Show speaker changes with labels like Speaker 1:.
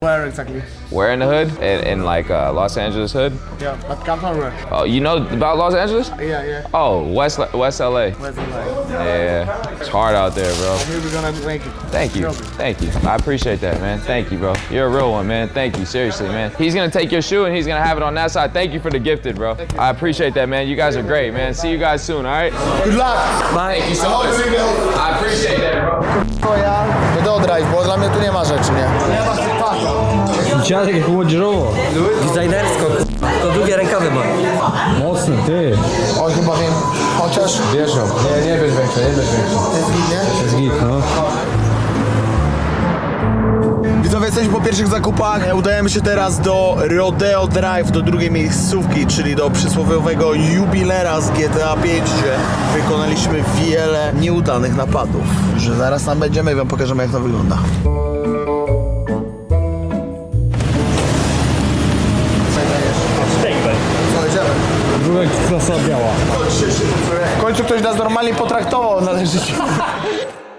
Speaker 1: Where exactly?
Speaker 2: Where in the hood? In like Los Angeles hood?
Speaker 1: Yeah, but come from where?
Speaker 2: Oh, you know about Los Angeles?
Speaker 1: Yeah, yeah.
Speaker 2: Oh, West LA.
Speaker 1: Where's the line?
Speaker 2: Yeah, it's hard out there, bro.
Speaker 1: Here we're gonna make it.
Speaker 2: Thank you. Thank you. I appreciate that, man. Thank you, bro. You're a real one, man. Thank you. Seriously, man. He's gonna take your shoe and he's gonna have it on that side. Thank you for the gifted, bro. I appreciate that, man. You guys are great, man. See you guys soon, all right?
Speaker 1: Good luck!
Speaker 2: Bye. Thank you so much. I appreciate that, bro.
Speaker 1: To ja do drive, bo dla mnie tu nie ma rzeczy, nie? Nie ma
Speaker 3: Dziadek jak młodzieżowo.
Speaker 4: Designersko, to długie rękawy ma.
Speaker 3: Mocny, ty.
Speaker 1: Oj, chyba wiem. Chociaż...
Speaker 3: Wiesz ją. Nie bierz większe, nie bierz większe.
Speaker 1: To jest git, nie?
Speaker 3: To jest git, no.
Speaker 1: Widzowie, jesteśmy po pierwszych zakupach. Udajemy się teraz do Rodeo Drive, do drugiej miejscówki, czyli do przysłowiowego jubilera z GTA 5, gdzie wykonaliśmy wiele nieudanych napadów. Że zaraz tam będziemy i wam pokażemy, jak to wygląda. Co, idziemy?
Speaker 3: Drugą klasa biała.
Speaker 1: W końcu ktoś nas normalnie potraktował, należy się.